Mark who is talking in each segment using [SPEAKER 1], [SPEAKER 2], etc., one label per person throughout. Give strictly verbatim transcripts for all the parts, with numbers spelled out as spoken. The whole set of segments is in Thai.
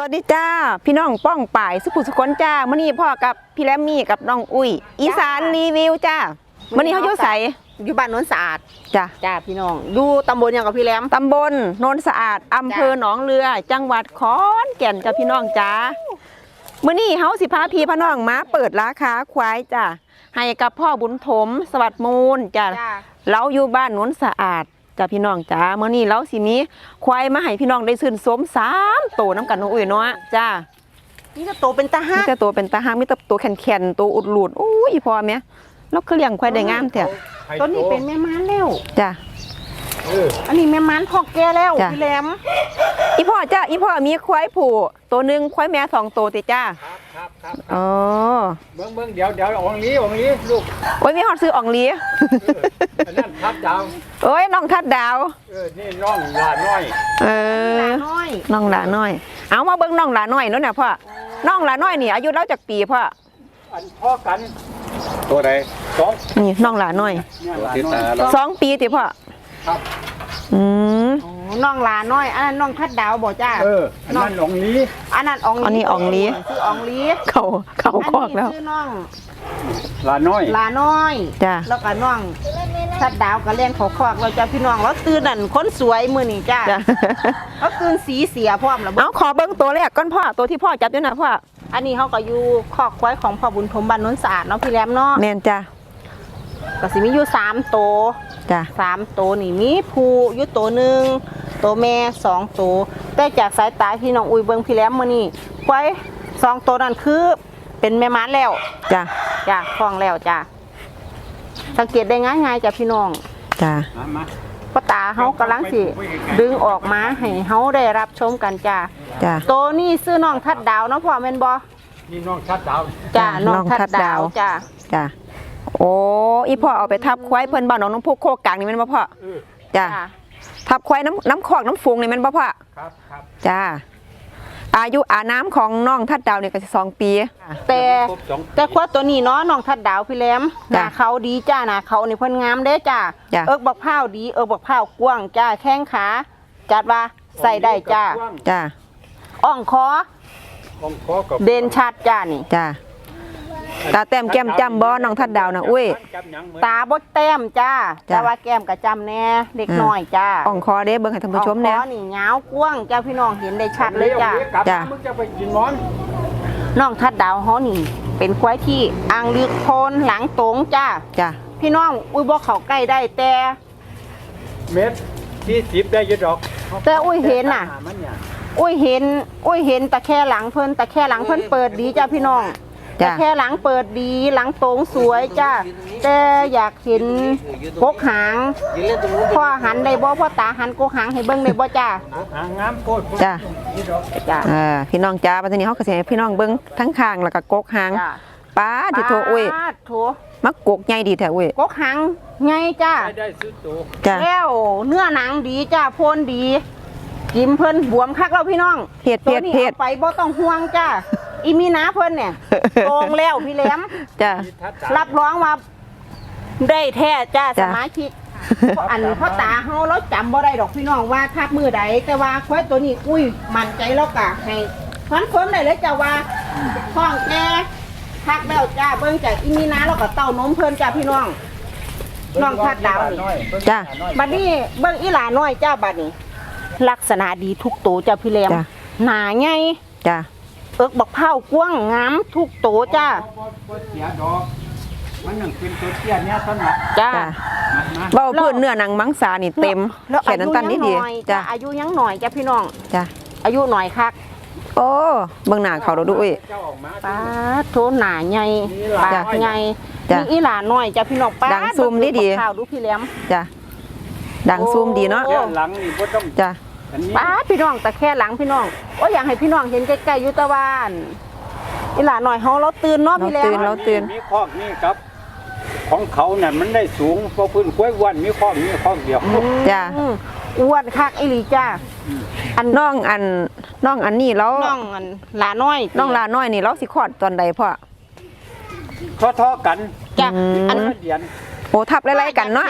[SPEAKER 1] วัสดีจ้าพี่น้องป้องป่ายสุขุสุขนจ้ามื่อนี้พ่อกับพี่แรมมี่กับน้องอุ้ยอีสานรีวิวจ้ามื่อนี้เขาอยู่ใส
[SPEAKER 2] อยู่บ้านโน้นสะอาด
[SPEAKER 1] จ้า
[SPEAKER 2] จ้าพี่น้องอยู่ตำบลยังกับพี่แรม
[SPEAKER 1] ตำบลโนนสะอาดอำเภอหนองเรือจังหวัดขอนแก่นจ้าพี่น้องจ้ามื่อนี้เขาสิพาพี่พน้องมาเปิดราคาควายจ้าให้กับพ่อบุญถมสวัสดิ์มูลจ้าเราอยู่บ้านโนนสะอาดจ้าพี่น้องจ้าเมื่อนี้เราสิมีควายมาให้พี่น้องได้ชื่นชมสามโตน้ำกันน้องอุ้ยเนาะจ้า
[SPEAKER 2] นี่จะโตเป็นตาห้า
[SPEAKER 1] มีแต่ตัวเป็นตาห้ามีแต่ตัวแข็งๆตัวอุดหลุดโอ้ยพอไหมแล้วคือเลี้ยงควายได้งามแท้
[SPEAKER 2] ตัวนี้เป็นแม่ม้านแล้ว
[SPEAKER 1] จ้า
[SPEAKER 2] อันนี้แม่ม้านพอกแก่แล้วพี่แรม
[SPEAKER 1] อีพ่อจ้าอีพ่อมีควายผูตัวหนึ่งควายแม่สองตัวติจ้า
[SPEAKER 3] ครับครับ
[SPEAKER 1] อ๋อ
[SPEAKER 3] เบิ้งเบิ้งเดี๋ยวเดี๋ยวอ่องลีอ่องลีลูก
[SPEAKER 1] โอ้ยมีหอดซื้ออ่องลี
[SPEAKER 3] อันนั้นทัดดาว
[SPEAKER 1] โอ้ยน้องทัดดาว
[SPEAKER 3] เออนี่น้องหลาน้อย
[SPEAKER 1] เออน้องหลาน้อยเอามาเบิ้งน้องหลาน้อยนู้นน่ะพ่อน้องหลาน้อยนี่อายุเราจากปีพ่อ
[SPEAKER 3] อันพ่อกันตัวใดสอง
[SPEAKER 1] นี่น้องหลาน้อยสองปีติพ่อ
[SPEAKER 3] ครับ
[SPEAKER 1] อืม
[SPEAKER 2] น้องหลาน้อยอันนั้นน้องทัดดาวบอกจ้า
[SPEAKER 3] เอออันนั้นอ่องลี
[SPEAKER 2] อันนั้นอ่องลี
[SPEAKER 1] อันนี้อ่องลี
[SPEAKER 2] ชื่ออ่องลี
[SPEAKER 1] เขาเขาคอกแล้ว
[SPEAKER 2] ชื่อน้อง
[SPEAKER 3] หลาน้อย
[SPEAKER 2] หลาน้อย
[SPEAKER 1] จ้า
[SPEAKER 2] แล้วก็น้องทัดดาวก็เลี้ยงเขาคอกเราจะพี่น้องแล้วตื่นนั่นคนสวยมือนี่จ้าเขาตื่นสีเสียพร้อมแล้ว
[SPEAKER 1] เอาขอเบิ้งตัวแรกก้อนพ่อตัวที่พ่อจับด้วยนะพ่อ
[SPEAKER 2] อันนี้เขาก็อยู่คอกควายของพ่อบุญถมบ้านโน้นสะอาดเนาะพี่แรมเนาะ
[SPEAKER 1] แม่นจ้า
[SPEAKER 2] ก็สิมีอยู่สามตัว
[SPEAKER 1] จ้ะ
[SPEAKER 2] สามตัวนี่มีผูอยู่ตัวหนึ่งตัวแม่สองตัวแต่จากสายตาพี่น้องอุ้ยเบิ้งพี่แรมมื้อนี้ควายสองตัวนั่นคือเป็นแม่ม้าแล้ว
[SPEAKER 1] จ้ะ
[SPEAKER 2] จ้ะคล้องแล้วจ้ะสังเกตได้ง่ายๆจ้ะพี่น้อง
[SPEAKER 1] จ้ะ
[SPEAKER 2] ป้าตาเขากำลังสิดึงออกมาให้เขาได้รับชมกันจ้ะ
[SPEAKER 1] จ้ะ
[SPEAKER 2] ตัวนี้ซื้อน้องทัดดาวเนาะพ่อแม่นบ่
[SPEAKER 3] นี่น้องทัดดาว
[SPEAKER 2] จ้ะน้องทัดดาวจ้ะ
[SPEAKER 1] จ้ะโอ้อีพ่อเอาไปทับควายเพิ่นบ้านน้องน้องพวกโคกลางนี่แม่นบ่พ่อจ้ะทับควายน้ำน้ำคอกน้ำฟูงนี่แม่นบ่พ่อ
[SPEAKER 3] ครับครับ
[SPEAKER 1] จ้ะอายุอาน้ำของน้องทัดดาวเนี่ยก็สองปี
[SPEAKER 2] แต่แต่ควายตัวนี้เนาะน้องทัดดาวพี่แรมหน้าเขาดีจ้าหน้าเขานี่เพิ่นงามเด้จ้าเอิกบักพร้าวดีเอิกบักพร้าวกว้างจ้าแข้งขาจัดว่าใส่ได้จ้า
[SPEAKER 1] จ้า
[SPEAKER 2] อ่องคอเด่นชัดจ้านี่
[SPEAKER 1] จ้าตาแต้มแก้มจำบ่น้องทัดดาวนะอุ้ย
[SPEAKER 2] ตาบดแต้มจ้าแต่ว่าแก้มกระจำแน่เด็กน้อยจ้า
[SPEAKER 1] อ่องคอเด้เบิ่งให้ท่านผู้ชม
[SPEAKER 2] แน่อ่องคอนี่ยาวกว้างจ้าพี่น้องเห็นได้ชัดเลยจ้า
[SPEAKER 1] จ้า
[SPEAKER 2] น้องทัดดาวเขานี่เป็นควายที่อ่างลึกโพนหลังตรงจ้า
[SPEAKER 1] จ้า
[SPEAKER 2] พี่น้องอุ้ยบอกเขาใกล้ได้แต่
[SPEAKER 3] เม็ดที่สิบได้ยุดดอก
[SPEAKER 2] แต่อุ้ยเห็นน่ะอุ้ยเห็นอุ้ยเห็นตะแค่หลังเพิ่นตะแค่หลังเพิ่นเปิดดีจ้าพี่น้องแต่แค่หลังเปิดดีหลังตรงสวยจ้าแต่อยากเห็นกกหางพ่อหันได้บ่พ่อตาหันกกหางให้เบิ่งได้บ่จ้า
[SPEAKER 3] หางงามโคตร
[SPEAKER 1] จ้าจ้าเออพี่น้องจ้าปัจจุบันเขาก็สิให้พี่น้องเบิ่งทั้งข้างแล้วก็กกหางป้าที่โทอุ้ย
[SPEAKER 2] โถ
[SPEAKER 1] มักกกใหญ่ดีแท้อุ้ย
[SPEAKER 2] กกหางใหญ่จ้า
[SPEAKER 3] ได้ซื้อตัว
[SPEAKER 1] จ้า
[SPEAKER 2] แล้วเนื้อหนังดีจ้าโพนดีกินเพิ่นบวมคักแล้วพี่น้อง
[SPEAKER 1] เผ็ดเผ็ดเผ็ด
[SPEAKER 2] ไปบ่ต้องห่วงจ้าอีมีนาเพิ่นเนี่ยโกงแล้วพี่แหลม
[SPEAKER 1] จ้า
[SPEAKER 2] รับรองว่าได้แท้จ้าสมาชิกอันพ่อตาเฮาเราจำบ่ได้ดอกพี่น้องว่าทับมือใดแต่ว่าควายตัวนี้อุ้ยมั่นใจแล้วกะให้ฟันคนได้เลยจ้าว่าท้องแก่ทักแล้วจ้าเบิ่งจากอีมีนาแล้วก็เต้านมเพิ่นจ้าพี่น้องน้องทัดดาวนี่
[SPEAKER 1] จ้า
[SPEAKER 2] บัดนี้เบิ่งอีหลาน้อยจ้าบัดนี้ลักษณะดีทุกตัวจ้าพี่แหลมหนาใหญ่
[SPEAKER 1] จ้า
[SPEAKER 2] เอิกบักเผากว้างงามทุกโตจ้า
[SPEAKER 3] มันหนึ่งเป็นตัวเตี้ยเนี่ยท่านละ
[SPEAKER 2] จ้า
[SPEAKER 1] เบาพื้นเนื้อหนังมังสานี่เต็มแขนตันนี่ดี
[SPEAKER 2] จ้าอายุยังหน่อยจ้าพี่น้อง
[SPEAKER 1] จ้า
[SPEAKER 2] อายุหน่อยคัก
[SPEAKER 1] โอ้เบิ่งหน้าเขาเราดูอุ้ย
[SPEAKER 2] ป้าโถหนาใหญ่ปากใหญ่มีอีหลาหน่อยจ้าพี่น้องป้า
[SPEAKER 1] ดังซูมดีดี
[SPEAKER 2] ข่าวดูพี่แหลม
[SPEAKER 1] จ้าดังซูมดีเนาะ
[SPEAKER 3] หลังนี่บ่ต้อง
[SPEAKER 1] จ้า
[SPEAKER 2] ป้าพี่น้องแต่แค่หลังพี่น้องโอ้ยอยากให้พี่น้องเห็นใกล้ๆยุตะวันอีหลาหน่อยเขาเราตื่นเนาะพี่แหลม
[SPEAKER 1] เราตื่น
[SPEAKER 3] มีคอกนี่ครับของเขาเนี่ยมันได้สูงเพราะพื้นกล้วยอ้วนมีคอกมีคอกเดียว
[SPEAKER 1] จ้า
[SPEAKER 2] อ้วนคักอีหลีจ้า
[SPEAKER 1] อันน้องอันน้องอันนี้แล้ว
[SPEAKER 2] น้องอันหลาน้อย
[SPEAKER 1] น้องหลาน้อยนี่เราสิคลอดตอนใดพ่อ
[SPEAKER 3] ท้อๆกัน
[SPEAKER 2] จ้า
[SPEAKER 3] อันเดียน
[SPEAKER 1] โอ้ทับไล่ๆกันเนาะ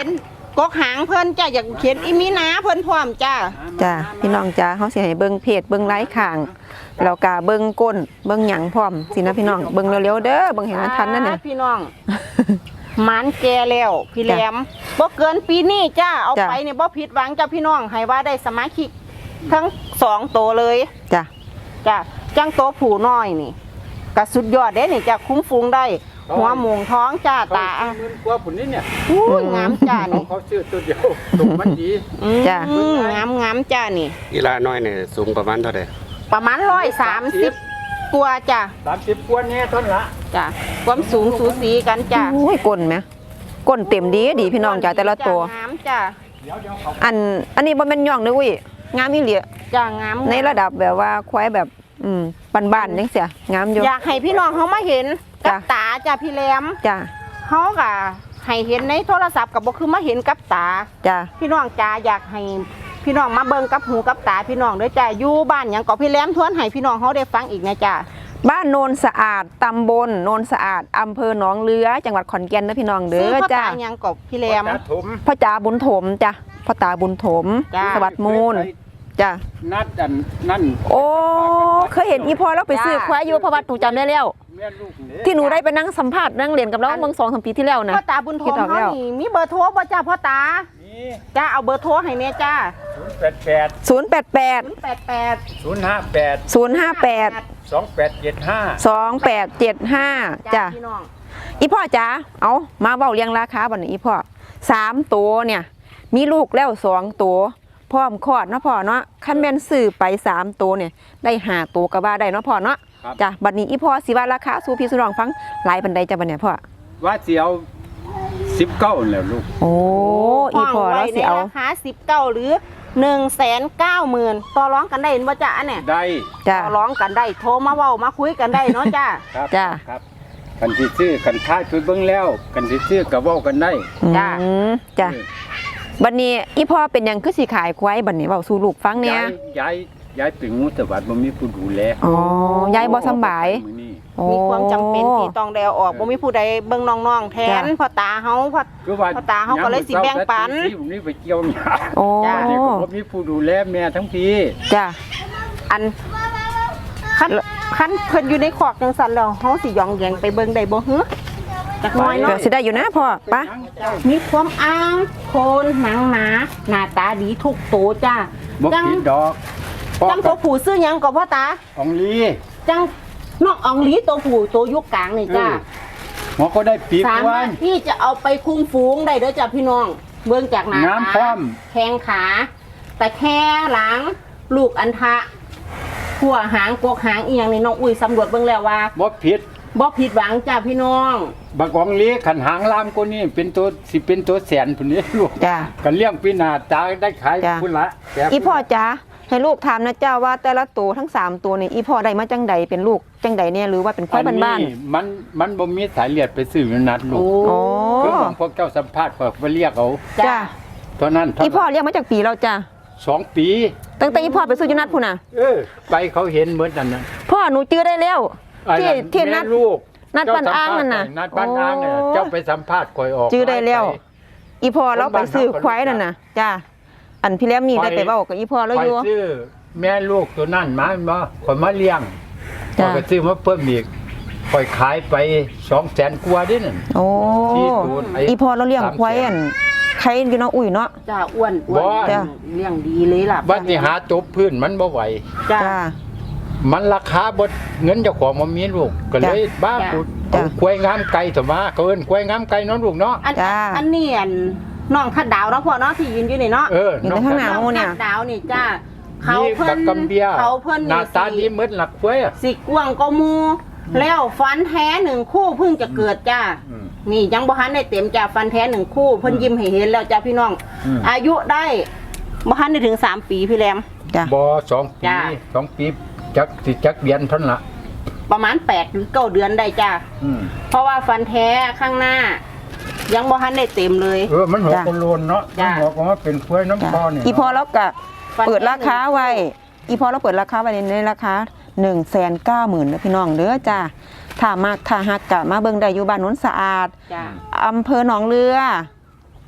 [SPEAKER 2] กกหางเพิ่นจ้าอยากเขียนอีมีนาเพิ่นพร้อมจ้า
[SPEAKER 1] จ้าพี่น้องจ้าเฮาสิให้เบิ่งเพจเบิ่งไลฟ์ข้างแล้วก็เบิ่งก้นเบิ่งหยังพร้อมสินะพี่น้องเบิ่งเร็วๆเด้อเบิ่งให้มันทันนั่นน่ะ
[SPEAKER 2] พี่น้องหมันแก่แล้วพี่แหลมบ่เกินปีนี้จ้าเอา
[SPEAKER 1] จ้ะ
[SPEAKER 2] ไปเนี่ยบ่ผิดหวังจ้าพี่น้องให้ว่าได้สมาชิกทั้งสองตัวเลย
[SPEAKER 1] จ้ะ
[SPEAKER 2] จ้าจังโตวผู้น้อยนี่ก็สุดยอดเด้นี่จ้าคุ้มฟูงได้ หัวหมูท้องจ้า
[SPEAKER 3] เขา
[SPEAKER 2] ตา
[SPEAKER 3] ซื้อหมื่นกว่าผุนนี่เนี่ย
[SPEAKER 2] อุ้ยงามจ้า
[SPEAKER 3] เขา
[SPEAKER 2] นี่
[SPEAKER 3] เขาซื้อตัวเดียวตรงมันดี
[SPEAKER 2] อืม
[SPEAKER 1] จ้ะ
[SPEAKER 2] งามงามจ้านี่
[SPEAKER 4] อีลาน้อยเนี่ยสูงประมาณเท่าไหร่
[SPEAKER 2] ประมาณร้อยสามสิบกว่าจ้า
[SPEAKER 3] สามสิบกว่าเนี่ยเท่านั้นละ
[SPEAKER 2] จ้าความสูงสูสีกันจ้า
[SPEAKER 1] โอ้ยก้นไหมก้นเต็มดีดีพี่น้องจ้าแต่ละตัว
[SPEAKER 2] งามจ้า
[SPEAKER 3] เดี๋ยวเดี๋ยวเขา
[SPEAKER 1] อันอันนี้บ่แม่นย่องเด้ออุ้ยงามอีหลี
[SPEAKER 2] จ้างาม
[SPEAKER 1] ในระดับแบบว่าควายแบบอืมบ้านๆจังเสียงามอยู่
[SPEAKER 2] อยากให้พี่น้องเขามาเห็นกับ
[SPEAKER 1] จ้ะ
[SPEAKER 2] ตาจ้าพี่แหลม
[SPEAKER 1] จ้า
[SPEAKER 2] เขากะให้เห็นในโทรศัพท์กับบ่คือมาเห็นกับตา
[SPEAKER 1] จ้า
[SPEAKER 2] พี่น้องจ้าอยากให้พี่น้องมาเบิ่งกับหูกับตาพี่น้องเด้อจ้าอยู่บ้านหยังก็พี่แหลมทวนให้พี่น้องเขาได้ฟังอีกนะจ้า
[SPEAKER 1] บ้านโนนสะอาดตำบลโนนสะอาดอำเภอหนองเรือจังหวัดขอนแก่นนะพี่น้องเด้
[SPEAKER 2] ซื้อ
[SPEAKER 1] อ
[SPEAKER 2] พ่อ
[SPEAKER 1] จ้า
[SPEAKER 2] ตาหยังก็พี่แหลม
[SPEAKER 3] ตาถม
[SPEAKER 1] พ่อจ๋าบุญถมจ้ะพ่อตาบุญถม
[SPEAKER 2] จ้า
[SPEAKER 1] สวัสดิ์มูลจ้ะ
[SPEAKER 3] นัดอันนั่น
[SPEAKER 1] โอ้เคยเห็นอีพอแล้วไปซื้อควายอยู่เพราะว่าหนูจำได้แล้ว
[SPEAKER 3] แม่ลูกเย
[SPEAKER 1] ที่หนูได้ไปนั่งสัมภาษณ์นั่งเรียนกับเราเมื่อสองสามปีที่แล้วนะ
[SPEAKER 2] พ่อตาบุญโท
[SPEAKER 1] คิด
[SPEAKER 2] ม
[SPEAKER 1] ออก
[SPEAKER 2] เขา
[SPEAKER 1] แล้ว
[SPEAKER 2] นี่มีเบอร์โทรบ่จ้าพ่อตา
[SPEAKER 3] นี่
[SPEAKER 2] จ้าเอาเบอร์โทรให้เนี่ยจ้า
[SPEAKER 3] ศูนย์แปดแปด
[SPEAKER 1] ศูนย์แปดแปด
[SPEAKER 2] ศูนย์แปดแปด
[SPEAKER 3] ศูนย์ห้าแปด
[SPEAKER 1] ศูนย์ห้าแปด
[SPEAKER 3] สองแปดเจ็ดห้า
[SPEAKER 1] สองแปดเจ็ดห้าจ้ะ
[SPEAKER 2] พี่น้อง
[SPEAKER 1] อีพ่อจ๋าเอามาเบาเรียงราคาบ่นี้อีพ่อสามตัวเนี่ยมีลูกแล้วสองตัวพร้อมคลอดเนาะพ่อเนาะคันแม่นซื้อไปสามตัวเนี่ยได้ห้าตัวก็ว่าได้เนาะพ่อเนาะจ้ะบัดนี้อีพ่อสิว่าราคาสู่พี่สุรองฟังหลายปานใดจ้ะบัดเนี่ยพ่อ
[SPEAKER 3] ว่าเสียวสิบเก้าแล้วลูก
[SPEAKER 1] โอ้อีพ่อแล้วสิเอา
[SPEAKER 2] ในราคาสิบเก้าหรือหนึ่งแสนเก้าหมื่นต่อร้องกันได้เห็นบ่จ้าอันเนี่ย
[SPEAKER 3] ได้
[SPEAKER 1] จ้ะ
[SPEAKER 2] ต่อร้องกันได้โทรมาเว้ามาคุยกันได้เนาะจ้า
[SPEAKER 3] ครับ
[SPEAKER 1] จ้ะ
[SPEAKER 3] ครับกันที่ซื้อกันท้ายไปเบิ่งแล้วกันที่ซื้อกับว่ากันได้
[SPEAKER 2] จ้ะ
[SPEAKER 1] อืมจ้ะบัดนี้อีพ่อเป็นหยังคือสิขายควายบัดนี้เว้าสู่ลูกฟังเนี่ย
[SPEAKER 3] ย้ายย้ายย้ายไปงูสวัสดิ์บ่มีผู้ดูแล
[SPEAKER 1] อ๋อยายบ่สำบาย
[SPEAKER 3] มื้อนี้
[SPEAKER 2] มีความจำเป็นที่ต้องแดวออกบ่มีผู้ใดเบิ่งน้องๆแทน
[SPEAKER 1] จ้ะ
[SPEAKER 2] พ่อตาเฮาพ่อ
[SPEAKER 3] คือว่า
[SPEAKER 2] พ่อตาเขาก็เลยสิแบ่งปัน
[SPEAKER 3] ที่ผมนี่ไปเกี่ยวหญ้า
[SPEAKER 1] โอ้
[SPEAKER 2] จ้ะ
[SPEAKER 3] เด็กก็บ่มีผู้ดูแลแม่ทั้งพี่
[SPEAKER 1] จ้ะ
[SPEAKER 2] อันคันคันเพิ่นอยู่ในขอกจังซั่นแล้วเฮาสิย่องแยงไปเบิ่งได้บ่ฮึจักหน่อย
[SPEAKER 1] ก็
[SPEAKER 2] เนาะ
[SPEAKER 1] สิได้อยู่นะพ่อปะ
[SPEAKER 2] มีความอ้างโคนหนังหนาหน้าตาดีทุกโตวจ้า
[SPEAKER 3] บ่
[SPEAKER 2] จัง
[SPEAKER 3] ผิดดอกพ่อ
[SPEAKER 2] จังตัวผู้ซื้อหยังก็พ่อตา
[SPEAKER 3] อองลี
[SPEAKER 2] จังนอกอองหลีตัวผู้ตัวยุคกลางนี่จ้า
[SPEAKER 3] หัวก็ได้ปีก
[SPEAKER 2] สา
[SPEAKER 3] วั
[SPEAKER 2] มารถ
[SPEAKER 3] น
[SPEAKER 2] ที่จะเอาไปคุมฝูงได้เด้อจ้ะพี่น้อง เบื้องจากหน้าง
[SPEAKER 3] าม
[SPEAKER 2] ตา
[SPEAKER 3] พร้อม
[SPEAKER 2] แข้งขา แต่แค่หลัง ลูกอันทะหัวหางกวกหางอีหยังนี่น้องอุ้ยสำรวจเบื้องแล้วว่า
[SPEAKER 3] บ่ผิด
[SPEAKER 2] บ่ผิดหวังจ้ะพี่น้อง
[SPEAKER 3] บักอองลีขันหางลามคนนี้เป็นตัวสิเป็นตัวแสนพุ่นนี้ลูก
[SPEAKER 1] จ้ะ
[SPEAKER 3] กันเลี้ยงปีหน้าตาได้ขาย
[SPEAKER 1] จ้ะ
[SPEAKER 3] พุ่นละแก่
[SPEAKER 1] อีพ่อจ๋าให้ลูกถามนะเจ้าว่าแต่ละตัวทั้งสามตัวนี่อีพ่อได้มาจังใดเป็นลูกจังใดเนี่ยหรือว่าเป็นควายบ้าน
[SPEAKER 3] อัมันมันบ่มีสายเลือดไปซื้ออยู่นัดลูก
[SPEAKER 1] ๆโอ้
[SPEAKER 3] คือของพวกเจ้าสัมภาษณ์พวกไปเรียกเอา
[SPEAKER 1] จ้ะ
[SPEAKER 3] เท่านั้นเท่า
[SPEAKER 1] อีพ่อ
[SPEAKER 3] นั้น
[SPEAKER 1] เลี้ยงมาจากปีแล้วจ้ะ
[SPEAKER 3] สองปี
[SPEAKER 1] ตั้งแต่อีพ่อไปซื้ออยูนัดพุ่นน่ะ
[SPEAKER 3] เออ ไปเขาเห็นเหมือนกันนะ
[SPEAKER 1] พ่อหนูจื้อได้แล้ว
[SPEAKER 3] ไอ้
[SPEAKER 1] ที่
[SPEAKER 3] นั่น
[SPEAKER 1] ที่นั
[SPEAKER 3] แม่
[SPEAKER 1] ด
[SPEAKER 3] ลูก
[SPEAKER 1] นัดบ้านอ้างนั่นน่ะ
[SPEAKER 3] นัดบ้านอ้างเนี่ย
[SPEAKER 1] โอ้
[SPEAKER 3] เจ้าไปสัมภาษณ์คอยออก
[SPEAKER 1] จื้อได้แล้ว
[SPEAKER 3] ไป
[SPEAKER 1] อีพ่อเราไปซื้อควายนั่นน่ะจ้ะอันพี่แล้มนี่ได้ไปเว้ากับอีพ่อแล้ว
[SPEAKER 3] คอ
[SPEAKER 1] อย ยู่
[SPEAKER 3] ซื้อแม่ลูกตัวนั่นมามาคอยมาเลี้ยงค
[SPEAKER 1] จ้ะ
[SPEAKER 3] อยก็ซื้อมาเพิ่มอีกคอยขายไปสองแสนกว่าดินั่น
[SPEAKER 1] โอ้
[SPEAKER 3] ที่ดูดไอ้
[SPEAKER 1] อีพ่อเราเลี้ยงควายอันใครอยู่เนาะอุ้ยเนาะ
[SPEAKER 2] จ้าอ้วนอ้ว
[SPEAKER 3] บ่
[SPEAKER 2] น
[SPEAKER 1] จ้ะ
[SPEAKER 2] เลี้ยงดีเลยล่ะ
[SPEAKER 3] บัดนี้หาตบพื้นมันบ่ไหว
[SPEAKER 2] จ้า
[SPEAKER 1] จ้ะ
[SPEAKER 3] มันราคาบดเงินเจ้าของมันมีลูกก็เลยบ้า
[SPEAKER 2] จ้ะ
[SPEAKER 3] ปุด
[SPEAKER 1] จ้ะ
[SPEAKER 3] เอาควายงามไก่ต่อมาเกินควายงามไก่เน้องลูกเนาะ
[SPEAKER 2] อัน
[SPEAKER 1] จ้า
[SPEAKER 2] อันนี้อันน้องทัดดาวเนาะพ่อเนาะที่ยืนอยู่นี่เนาะ
[SPEAKER 3] เออ
[SPEAKER 1] อยู่ในข้างหน้า
[SPEAKER 3] อง
[SPEAKER 1] โอ้เนี่ย
[SPEAKER 2] ทัดดาวนี่จ้าเขา
[SPEAKER 3] นี่
[SPEAKER 2] เพิ่
[SPEAKER 3] บั
[SPEAKER 2] น
[SPEAKER 3] กกำเบีย
[SPEAKER 2] เขาเพิ่น
[SPEAKER 3] หน้า
[SPEAKER 2] นี่
[SPEAKER 3] ตา
[SPEAKER 2] สิ
[SPEAKER 3] ดีเหมือนหลักควายอะ
[SPEAKER 2] สิกว้างก็มูแล้วฟันแท้หนึ่งคู่เพิ่งจะเกิดจ้า
[SPEAKER 3] อืม
[SPEAKER 2] นี่ยังบ่ทันได้เต็มจ้าฟันแท้หนึ่งคู่เพิ่นยิ้มให้เห็นแล้วจ้าพี่น้อง
[SPEAKER 3] อืม
[SPEAKER 2] อายุได้บ่ทันได้ถึงสามปีพี่แรม
[SPEAKER 1] จ้ะ
[SPEAKER 3] บอสองปี
[SPEAKER 2] จ้ะ
[SPEAKER 3] สองปีจักสิจักเดือนเท่านั้นละ
[SPEAKER 2] ประมาณแปดหรือเก้าเดือนได้จ้า
[SPEAKER 3] อืม
[SPEAKER 2] เพราะว่าฟันแท้ข้างหน้า ยังบ่ทันได้เต็มเลย
[SPEAKER 3] เออมันหัว
[SPEAKER 1] จ้ะ
[SPEAKER 3] กโลนเนาะมัน
[SPEAKER 2] จ้ะ
[SPEAKER 3] หัวก็ว่าเป็นควายน้ำคอเนี่ย
[SPEAKER 1] อีพอแล้วก็
[SPEAKER 2] ฟัน
[SPEAKER 1] เปิดราคาไว้ อีพอเราเปิดราคาไว้ในราคาหนึ่งแสนเก้าหมื่นนะพี่น้องเด้อจ้าถ้ามากถ้าหักกะมาเบิ่งได้อยู่บ้านโน้นสะอาด
[SPEAKER 2] จ้า
[SPEAKER 1] อำเภอหนองเรือ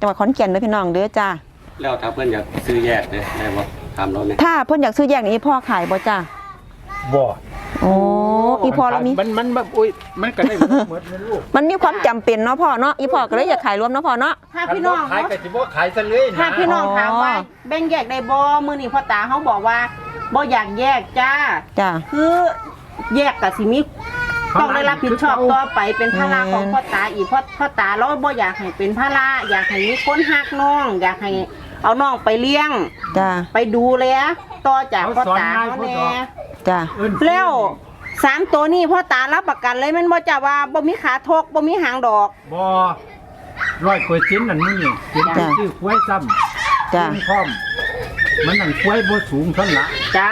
[SPEAKER 1] จังหวัดขอนแก่นเด้อพี่น้องเด้อจ้า
[SPEAKER 4] แล้วถ้าเพิ่นอยากซื้อแยกเด้อได้บ่ถามเราเนี่ย
[SPEAKER 1] ถ้าเพิ่นอยากซื้อแยกนี่พ่อขายบ่จ้า
[SPEAKER 3] บ่
[SPEAKER 1] โอ้อีพ่อเรามี
[SPEAKER 3] มันมันแบบอุ้ยมันก็ได้หมดหมดนะลูก
[SPEAKER 1] มันมีความจำเป็นเนาะพ่อเนาะอีพ่อก็เลยอยากขายรวมเนาะพ่อเนาะ
[SPEAKER 2] ถ้าพี่น้อง
[SPEAKER 3] ขายก็สิบ่ขายซะเลยนะ
[SPEAKER 2] ถ้าพี่น้องถามว่า
[SPEAKER 1] อ๋อ
[SPEAKER 2] แบ่งแยกได้บ่มื้อนี้พ่อตาเขาบอกว่าบ่อยากแยกจ้า
[SPEAKER 1] จ้า
[SPEAKER 2] คือแยกก็สิมีต้องได้รับผิดชอบต่อไปเป็นภาระของพ่อตาอีกเพราะพ่อตาเราบ่อยากให้เป็นภาระอยากให้มีคนฮักน้อง อยากให้เอาน้องไปเลี้ยง
[SPEAKER 1] จ้า
[SPEAKER 2] ไปดูแลต่อจากพ่อตาเขาแน่
[SPEAKER 1] จ้า
[SPEAKER 3] เอิ้น
[SPEAKER 2] แล้วสามตัวนี้พ่อตารับประกันเลยแมันบ่จ้าว่าบ่มีขาทกบ่มีหางดอก
[SPEAKER 3] บ่ร้อยเปอร์เซ็นต์นั่นนี่เป็นการซื้อควายซ้ำ
[SPEAKER 1] จ้า
[SPEAKER 3] พร้อมมันนั่นควายบ่สูงเท่านั้นละ
[SPEAKER 2] จ้า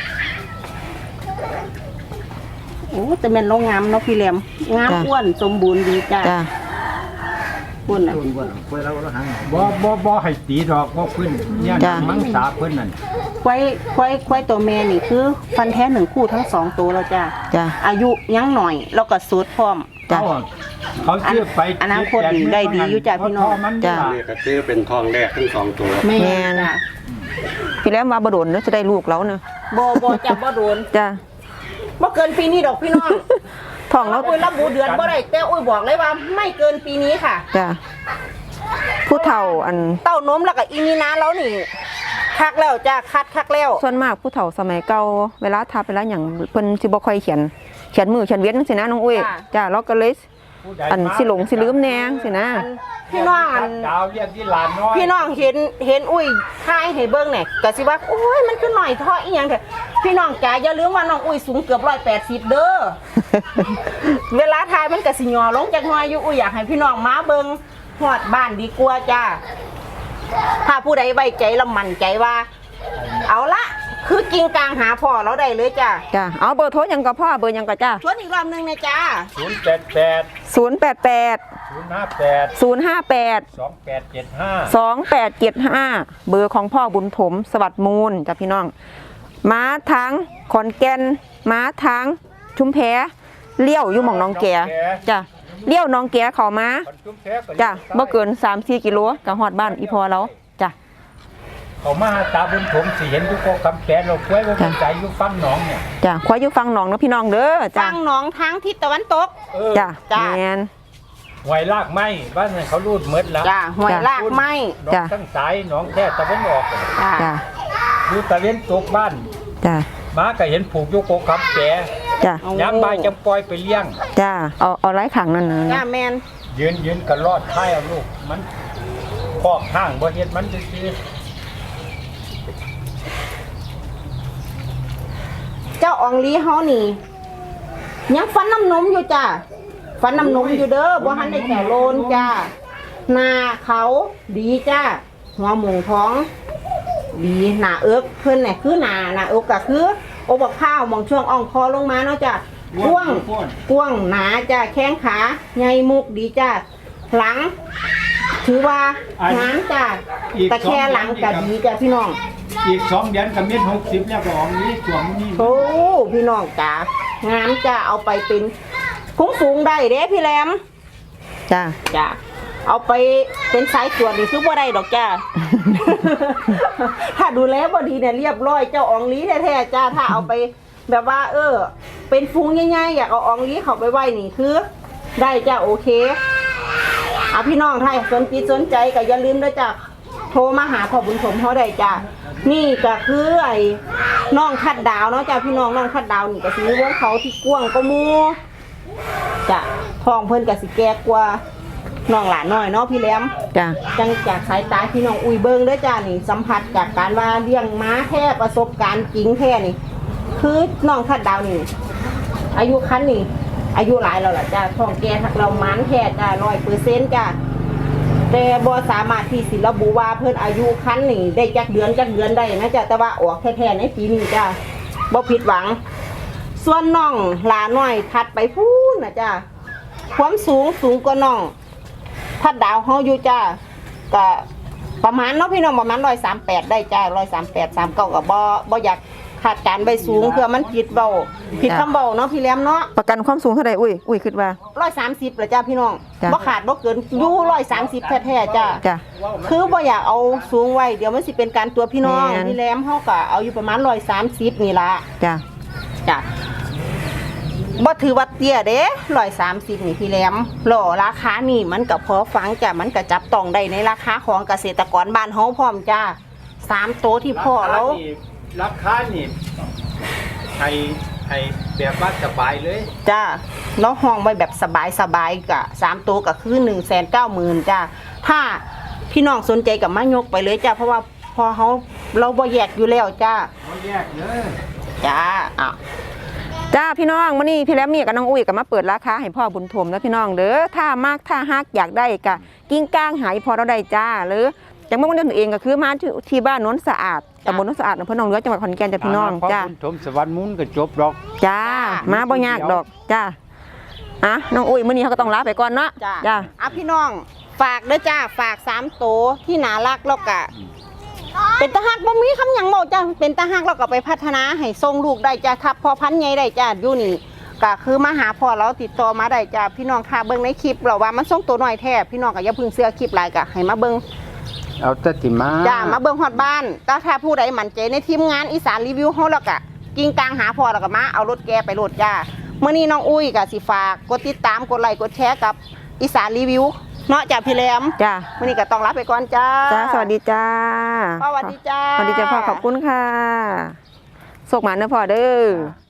[SPEAKER 2] โอ้แต่แม่นเรางามเนาะพี่แหลมงามอ้วนสมบูรณ์ดีจ้า
[SPEAKER 1] จ้า
[SPEAKER 2] อ้วนน่ะ
[SPEAKER 3] บ่บ่บ่ให้ตีดอกบ่ขึ้นเนี่ย
[SPEAKER 1] จ้ะ
[SPEAKER 3] มังสาเพิ่นนั่น
[SPEAKER 2] ควายควายควายตัวแม่นี่คือฟันแท้หนึ่งคู่ทั้งสองตัวแล้วจ้า
[SPEAKER 1] จ้า
[SPEAKER 2] อายุยังหน่อยแล้วก็สูดพร้อม
[SPEAKER 1] จ้ะ
[SPEAKER 3] เขาเขาซื้อไป
[SPEAKER 2] อนาคตดีได้ดีอยู่จ้ะพี่น้อง
[SPEAKER 3] เพราะมัน
[SPEAKER 1] จ้ะ
[SPEAKER 3] ล่
[SPEAKER 4] นี่ก็คือเป็นทองแรกทั้งสองตัว
[SPEAKER 2] แม่
[SPEAKER 1] แม่น
[SPEAKER 2] จ้า
[SPEAKER 1] พี่แล้วมาบ่โดนเด้อจะได้ลูกแล้วเนาะ
[SPEAKER 2] บ่บ่จับบ่โดน
[SPEAKER 1] จ้า
[SPEAKER 2] บ่เกินปีนี้ดอกพี่น้อง
[SPEAKER 1] ท้องแล้ว
[SPEAKER 2] อุ้ยระบุเดือนบ่ได้แต่อุ้ยบอกเลยว่าไม่เกินปีนี้ค่ะ
[SPEAKER 1] จ้าผู้เฒ่าอัน
[SPEAKER 2] เต้านมแล้วก็อีนีนาแล้วนี่คักแล้วจ้าคัดคักแล้ว
[SPEAKER 1] ส่วนมากผู้เฒ่าสมัยเก่าเวลาทับเวลาหยังเพิ่นสิบ่ค่อยเขียนเขียนมือเขียนเวียนจังซี่นะน้องอุ้ยจ้าเราก็เลย
[SPEAKER 3] ผู้ใด
[SPEAKER 1] อันสิหลงสิลืมแหน่จังซี่นะ
[SPEAKER 2] อันพี่น้องอัน
[SPEAKER 3] ดาวเรียกที่หลานน้อย
[SPEAKER 2] พี่น้องเห็นเห็นอุ้ยถ่ายให้เบิ่งเนี่ยก็สิว่าโอ้ยมันคือหน่อยเท่ออีหยังเถอะพี่น้องจ๋าอย่าลืมว่าน้องอุ้ยสูงเกือบร้อยแปดสิบเด้อ เวลาถ่ายมันก็สิหย่อลงจากหน่อยอยู่อุ้ยอยากให้พี่น้องมาเบิ่งฮอดบ้านดีกว่าจ้าถ้าผู้ใดไว้ใจและมั่นใจว่า เอาละคือกิ่งกลางหาพ่อเราได้เลยจ้า
[SPEAKER 1] จ้าเอาเบอร์โทรหยังกับพ่อเบอร์หยังกับจ้า
[SPEAKER 2] ชวนอีกรอบหนึงนะจ้า
[SPEAKER 3] ศูนย์แปดแปด
[SPEAKER 1] ศูนย์ แปด แปด
[SPEAKER 3] ศูนย์ห้าแปด
[SPEAKER 1] ศูนย์ ห้า แปด
[SPEAKER 3] สองแปดเจ็ดห้า
[SPEAKER 1] สอง แปด เจ็ด ห้าเบอร์ของพ่อบุญถมสวัสดิ์มูลจ้ะพี่น้องม้าทางขอนแก่นม้าทางชุมแพเลี้ยวอยู่หม่องหน้องแกจ้ะเลี้ยวหน้องแกเข้ามาจ้ะบ่เกิน สามสี่ กิโลก็ฮอดบ้านอีพอแล้วจ้ะ
[SPEAKER 3] เขามาหาตาบุญผมสิเห็นอยู่ก็คำแขนเราควายว่ามันใจอยู่ฟังหนองเนี่ย
[SPEAKER 1] จ้ะขออยู่ฟังหนองเนาะพี่น้องเด้อจ้ะ
[SPEAKER 2] ฟังหน้องทางทิศตะวันตก
[SPEAKER 3] เออ
[SPEAKER 1] จ้ะ
[SPEAKER 2] จ้ะ
[SPEAKER 1] แม่น
[SPEAKER 3] หวยลากไม้บ้านนั้นเขารูดเมดแล้ว
[SPEAKER 2] จ้าห้วยลากไม้
[SPEAKER 3] หนอง
[SPEAKER 1] จ้ะ
[SPEAKER 3] ทั้งสายหนองแค่ตะวันออก
[SPEAKER 2] จ้า
[SPEAKER 1] จ้ะ
[SPEAKER 3] ดูตะเวนตกบ้าน
[SPEAKER 1] จ้ะ
[SPEAKER 3] ม้าก็เห็นผูกอยู่โกคำแก
[SPEAKER 1] จ้ะ
[SPEAKER 3] ย้ำใบายจำปล่อยไปเลี้ยง
[SPEAKER 1] จ้ะเอาเอาไร้ขังนั่นน่ะ
[SPEAKER 2] จ้าแมน
[SPEAKER 3] ยืนยืนกันรอดท้ายเอาลูกมันคอกข้างบ่เฮ็ดมันซื่อ
[SPEAKER 2] เจ้าอองลีเฮานี่ยังฟันน้ำนมอยู่จ้าฟันน้ำนมอยู่เด้อบ่ทันได้แถวโลนจ้าหน้าเขาดีจ้าหัวหมูท้อง ดีหน้าเอิกเพิ่นเนี่ยคือหน้าหน้าเอิกก็คือโอบักข้าวมองช่วงอ่องคอลงมาเนาะจ้ะกว้างกว้างหนาจ้าแข้งขาใหญ่มุกดีจ้าหลัง ถือว่างามจ้าแต่แค่หลังก็ดีจ้าพี่น้อง
[SPEAKER 3] ๆอีกสองเดือนก็เม็ดหกสิบแล้วก็ออกนี้สวมนี่
[SPEAKER 2] โอ้พี่น้องจ๋างามจะเอาไปเป็นคุ้งสูงได้เด้พี่แรม
[SPEAKER 1] จ้ะ
[SPEAKER 2] จ้าเอาไปเป็นสายตรวจนี่คือบ่ได้ดอกจ้า ถ้าดูแลบ่ดีเนี่ยเรียบร้อยเจ้าอองลีแท้ๆจ้าถ้าเอาไปแบบว่า เออ เป็นฟูงง่ายๆอยากเอาอองลีเข้าไปไว้นี่คือ ได้จ้าโอเคเอาพี่น้องถ้าสนจิตสนใจก็อย่าลืมด้วยจ้าโทรมาหาพ่อบุญสมเขาได้จ้านี่ก็คือไอ้น้องคัดดาวเนาะจ้าพี่น้องน้องคัดดาวนี่ก็สิมีวงเขาที่กว้างก็มูจ้ะทองเพิ่นก็สิแก่กว่าน้องหลานน้อยเนาะพี่แหลม
[SPEAKER 1] จ้ะ
[SPEAKER 2] จังจากสายตาพี่น้องอุ้ยเบิ่งเด้อจ้านี่สัมผัสจากการว่าเลี้ยงม้าแท้ประสบการณ์จริงแท้นี่ คือน้องคัดดาวนี่ อายุคันนี่ อายุหลายแล้วล่ะจ้าท้องแก่ทักเรามันแท้จ้าร้อยเปอร์เซ็นต์จ้าแต่บ่สามารถที่สิระบุว่าเพิ่นอายุคันนี่ได้จักเดือนจักเดือนได้นะจ้าแต่ว่าออกแท้ๆในปีนี้จ้าบ่ผิดหวัง ส่วนน้องหลาน้อยถัดไปพูนนะจ้าความสูงสูงกว่าน้องทัดดาวเฮาอยู่จ้าก็ประมาณเนาะพี่น้องประมาณร้อยสามแปดได้จ้าร้อยสามแปดสามเก้าก็บ่บ่อยากคาดการณ์ไว้สูงเพื่อมันผิดเบาผิดคำเบาเนาะพี่แหลมเนาะ
[SPEAKER 1] ประกันความสูงเท่าใดอุ้ยอุ้ยคิดว่า
[SPEAKER 2] ร้อยสามสิบเหรอจ้าพี่น้อง
[SPEAKER 1] จ้ะ
[SPEAKER 2] บ่ขาดบ่เกินอยู่ร้อยสามสิบแท้ๆจ้า
[SPEAKER 1] จ้ะ
[SPEAKER 2] คือบ่อยากเอาสูงไว้เดี๋ยวมันสิเป็นการตัวพี่น้อง
[SPEAKER 1] แม่น
[SPEAKER 2] พี่แหลมเฮาก็เอาอยู่ประมาณร้อยสามสิบนี่ล่ะ
[SPEAKER 1] จ้ะ
[SPEAKER 2] จ้ะบ่ถือว่าเตี้ยเด้ร้อยสามสิบนี่พี่แหลมหล่อราคานี่มันก็พอฟังจ้ะมันก็จับต้องได้ในราคาของเกษตรกรบ้านเฮาพร้อมจ้าสามโตวที่พ่อแล้ว
[SPEAKER 3] ราคานี่ให้ให้แบบว่าสบายเลย
[SPEAKER 2] จ้าแล้วห้องไว้แบบสบายสบายๆกะสามตัวก็คือหนึ่งแสนเก้าหมื่นจ้าถ้าพี่น้องสนใจกับมายกไปเลยจ้าเพราะว่าพอเขาเราบ่แยกอยู่แล้วจ้า
[SPEAKER 3] บ่แยกเลย
[SPEAKER 2] จ้าอ่ะ
[SPEAKER 1] จ้าพี่น้องมื้อนี้พี่แหลมมีกับน้องอุ้ยก็มาเปิดราคาให้พ่อบุญถมแล้วพี่น้องเด้อถ้ามากถ้าฮักอยากได้ก็กิ้งก้างหายพอเราได้จ้าหรือจังบ่มันเดินเองก็คือมาที่ที่บ้านโน้นสะอาดตำบลโน้นสะอาดอำเภอหนองเรือจังหวัดขอนแก่นจ้าพี่น้องจ้า
[SPEAKER 3] คุณชมสวรรค์มุนก็จบดอก
[SPEAKER 1] จ้ามาบ่ยากดอกจ้าอ่ะน้องอุ้ยมื้อนี้เขาก็ต้องลาไปก่อนเนาะ
[SPEAKER 2] จ้า
[SPEAKER 1] จ้า
[SPEAKER 2] อ่ะพี่น้องฝากเด้อจ้าฝากสามโตวที่น่ารักแล้วก็เป็นตาฮักบ่มีคำหยังเมาจ้าเป็นตาฮักแล้วก็ไปพัฒนาให้ส่งลูกได้จ้าทับพอพันธุ์ใหญ่ได้จ้าอยู่นี่ก็คือมาหาพ่อเราติดต่อมาได้จ้าพี่น้องค่ะเบิ่งในคลิปเราว่ามันส่งตัวน้อยแท้พี่น้องก็อย่าเพึ่งเสื้อคลิปหลายก็ให้มาเบิ่ง
[SPEAKER 3] เอาแต่ติมา
[SPEAKER 2] จ้ามาเบิ่งฮอดบ้านแต่ถ้าผู้ใดมั่นใจในทีมงานอีสานรีวิวเฮาแล้วก็กิ่งกลางหาพ่อแล้วก็มาเอารถแกไปโหลดจ้ามื้อนี้น้องอุ้ยก็สิฝากกดติดตามกดไลค์กดแชร์กับอีสานรีวิวเนาะจ้าพี่แหลม
[SPEAKER 1] จ้า
[SPEAKER 2] มื้อนี้ก็ต้องลาไปก่อนจ้า
[SPEAKER 1] จ้าสวัสดีจ้า
[SPEAKER 2] พ่อสวัสดีจ้า
[SPEAKER 1] สวัสดีจ้าพ่อขอบคุณค่ะโชคหมาเด้อพ่อเด้อ